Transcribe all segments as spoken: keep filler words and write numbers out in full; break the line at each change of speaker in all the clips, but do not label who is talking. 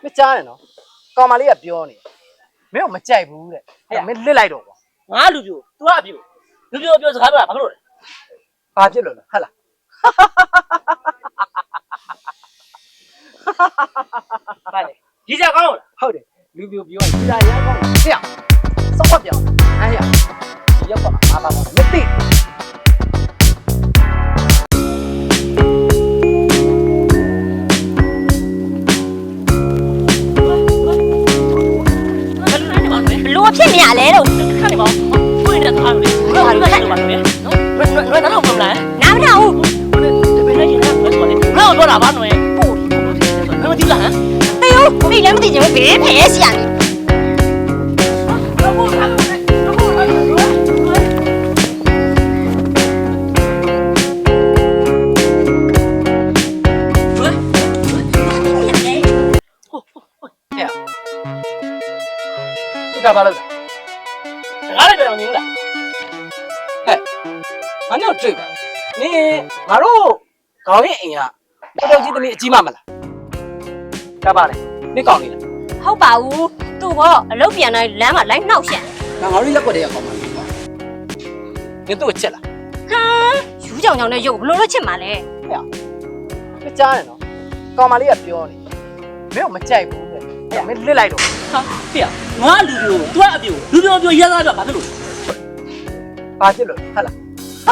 မကြားနဲ့နော်ကောင်မလေးကပြောနေမင်းကမကြိုက်ဘူးတဲ့အဲ့မင်းလစ်လိုက်တော့ကွာငါလူပြို तू ကအပြိုလူပြိုပြောစကားပြောတာဘာလို့လဲဘာဖြစ်လို့လဲဟဲ့လားဘာလဲကြီးကြကောင်းလားဟုတ်တယ်လူပြိုပြောကြီးကြရမ်းကောင်းတယ်ဟဲ့စောက်ပြောအဲ့ရဒီရောက်ပါမှာဘာပါမသိ
လိုဖြစ်နေရလဲလို့ခဏနေပါဖွင့်နေတာအားလို့ဘယ်လိုလဲဘာလို့လဲနော်ဘယ်ဘယ်တော့မလားနားမထောင်ဘူးဘယ်နဲ့ရှင်လဲဘယ်ဆိုလဲငါ့ကိုပြောတာဘာလို့လဲပို့ဘယ်မသိလားဟမ်တေးဦးဒီလည်းမသိချင်ဘူးဘယ်ဖဲရှိရလဲ
ဒါဘာလို့လဲငါလည်းပြောင်းနေလားဟဲ့ငါတို့တွေ့ပါနင်ငါတို့ခေါင်းရဲ့အိမ်ကတော်တော်ကြီးသမီးအကြီးမမလားဒါပါလေနင်ကောင်းနေလား
ဟုတ်ပါဘူးသူ့ဘောအလုပ်ပြန်တိုင်းလမ်းမှာလိုက်နှောက်ရှက်
ငါငါတို့ရက်ွက်တည်းရောက်ကောင်းပါလားနင်တို့ချက်လား
ဟမ်ယူကြောင်ကြောင်နဲ့ရုပ်ဘလို့လို့ချစ်မှာလဲ
ဟဲ့မကြားနဲ့နော်ကောင်မလေးကပြောနေမင်းကမကြိုက်ဘူးတဲ့အဲ့မင်းလစ်လိုက်တော့
ဟာဖေငါလူပြို तू ကအပြိုလူပြိုပြိုရဲသားပြဘာဖြစ်လို့
ဘာဖြစ်လို့ဟဲ့လား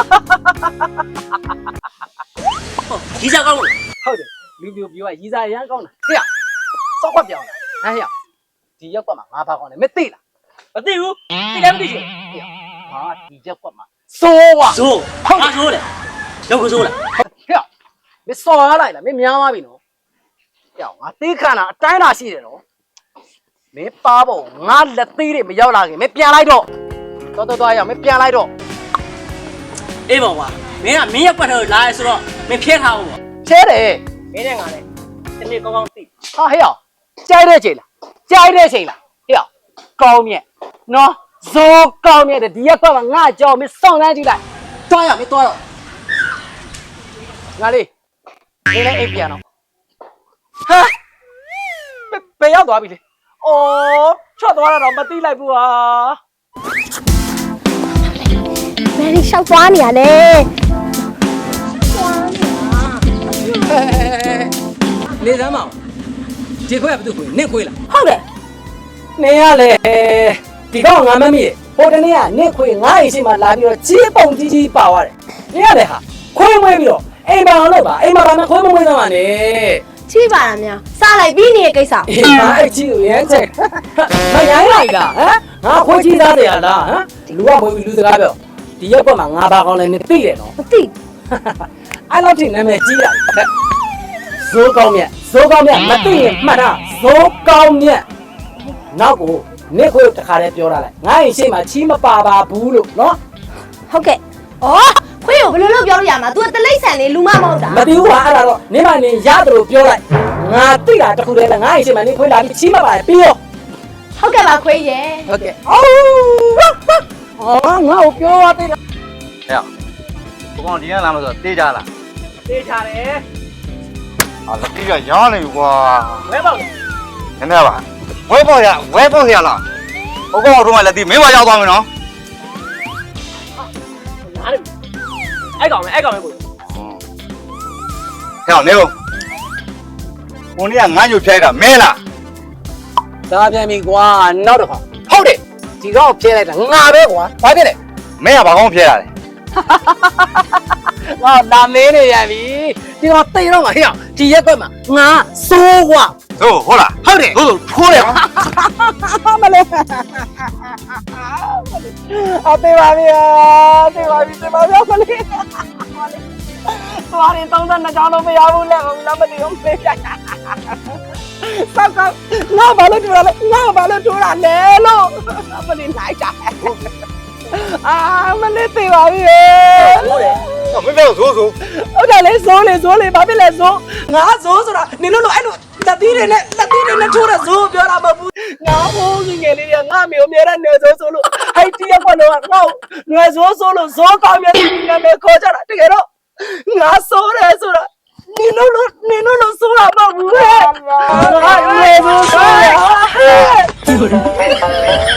ကြီးကြကောင်းလို့
ဟုတ်တယ်လူပြိုပြောကရီစာရမ်းကောင်းတာဟဲ့စောက်ခွက်ပြောင်းတာဟဲ့ဒီရက်ကွက်မှာငါဘာကောင်းလဲမသိလား
မသိဘူးသိလည်းမသိချင်
ဟာဒီရက်ကွက်မှာစိုးွား
စိုးဟာစိုးလေရုပ်ကစိုးလား
ဟဲ့မစော်ရလိုက်လားမင်းများသွားပြီနော်ဟဲ့ငါသိခဏအတိုင်းလာရှိတယ်နော်မင်းပါဖို့ငါလက်သေးတွေမရောက်လာခင်မင်းပြန်လိုက်တော့တော်တော်တော်ရအောင်မင်းပြန်လိုက်တော့
အေးပါကွာမင်းကမင်းရက်ွက်ထဲလာရဲဆိုတော့မင်းဖျက်ထားဖို့ပေါ့
ချဲတယ်
မင်းနဲ့ငါလည်းဒီနေ့ကောင်းကောင်းသိ
ဟာဟဲ့ကြိုက်တဲ့ချိန်လားကြိုက်တဲ့ချိန်လားဟဲ့ကောင်းမြတ်နော်ဇိုးကောင်းမြတ်တဲ့ဒီရက်ကွက်မှာငါကြောင်မင်းစောင့်နှမ်းကြည့်လိုက်တွားရမင်းတွားတော့ငါလေးနေလိုက်အိပ်ပြန်တော့ဟာဘယ်ရောက်သွားပြီလဲအော်ချွတ်သွားတာတော့မသိလိုက်ဘူးဟာ
ဘယ်လိုရှောက်သွားနေရလဲ
နေစမ်းမအောင်ဒီခွဲကဘယ်သူခွေနင့်ခွေးလား
ဟုတ်တယ်
နင်ရလေဒီကောင်ငါမမေ့ဟိုတနေ့ကနင့်ခွေးငါ့အိမ်ရှိမှလာပြီးတော့ကြီးပုံကြီးကြီးပါသွားတယ်နင်ရလေဟာခွေးမွေးပြီးတော့အိမ်ပါအောင်လို့ပါအိမ်မှာဘာမှခွေးမမွေးသမှာနဲ့
ချီးပါလားများစားလိုက်ပြီးနေတဲ့ကိစ္စ
အေးငါအဲ့ချီးကိုရမ်းချက်မရိုင်းလိုက်တာဟမ်ငါခွေးကြီးသားတယ်လားဟမ်လူကမွေးပြီးလူစကားပြောဒီရက်ကွက်မှာငါဘာကောင်းလဲနင်သိတယ်နော်
မသိ
အဲ့လောက်ထိနာမည်ကြီးတာဇိုးကောင်းမြတ်ဇိုးကောင်းမြတ်မသိရင်မှတ်တာဇိုးကောင်းမြတ်နောက်ကိုနေခွေတခါတည်းပြောတာလိုက်ငါ့ရင်ရှေ့မှာချီးမပါပါဘူးလို့နော်
ဟုတ်ကဲ့ဩခွေးကိုဘယ်လိုလုပ်ပြောလို့ရမှာ तू တလိမ့်ဆန်လေးလူမမဟုတ်တာ
မသိဘူးဟာအဲ့ဒါတော့နေမနေရတယ်လို့ပြောလိုက်ငါသိတာတခုတည်းလားငါ့ရင်ရှေ့မှာနေခွေလာပြီးချီးမပါပြီးရော
ဟုတ်ကဲ့ပါခွေးရဲ့
ဟုတ်ကဲ့အော်အော်ငါ့ကိုပြောရသေးလား
ဟဲ့ဘုကောင်ဒီကလာမဆိုတေးကြလား
တေးချတယ်
ဟာလက်ကြီးကရောင်းနေပြီကွာ
ဝဲပေါ့နည်း
နည်းပါဝဲပေါ့ရဝဲပေါ့ရလားဘုကောင်တို့ကလက်ကြီးမင်းမရောက်သွားမယ်နော်
နားလေအဲ့ကောင်ပဲအဲ့ကောင်ပဲကို
ဟဲ့နေဦးကိုနေကငါ့ညို့ဖြဲတာမင်းလား
ဒါပြန်ပြီကွာနောက်တစ်ခါဟုတ်တယ်ဒီကောင်ဖြဲလိုက်တာငါပဲကွာဘာဖြစ်လဲ
မင်းကဘာကောင်းဖြဲတာလဲ
ငါလာမင်းနေရပြီဒီကောင်တိတ်တော့မှာဟဲ့ဒီရက်ကွက်မှာငါစိုးကွာ
ဟုတ်ဟုတ်လား
ဟုတ်တယ်
ဟုတ်ထိုးတယ်
မလေးအသေးပါဗျာသေပါပြီသေပါဗျာမလေးသွားရင်တောင်းတနှစ်ကြောင်းလုံးမရဘူးလေငါမသိဘူးမေးဆက်ဆက်ငါဘာလို့ထိုးရလဲငါဘာလို့ထိုးရလဲလို့မလေးလိုက်တာအာမလေးသေးပါပြီ
ဟုတ်တယ်မင်းပြောဇိုးဇိုး
ဟုတ်တယ်လေဇိုးလေဇိုးလေဘာဖြစ်လဲဇိုးငါဇိုးဆိုတာနင်တို့လိုအဲ့လိုလက်သီးတွေနဲ့လက်သီးတွေနဲ့ထိုးတဲ့ဇိုးပြောတာမဟုတ်ဘူးငါဟိုးငငယ်လေးတွေကငါမျိုးအများနဲ့နေဇိုးဆိုလို့ဟိုက်တီးရက်ကွက်တော့ငါငွေဇိုးဆိုလို့ဇိုးကောင်းမြတ်ဒီနာမည်ခေါ်ကြတာတကယ်တော့ငါဆိုးတယ်ဆိုတာနင်တို့လိုနင်တို့လိုဆိုတာမဟုတ်ဘူးဟဲ့ငါငွေဇိုး
有人。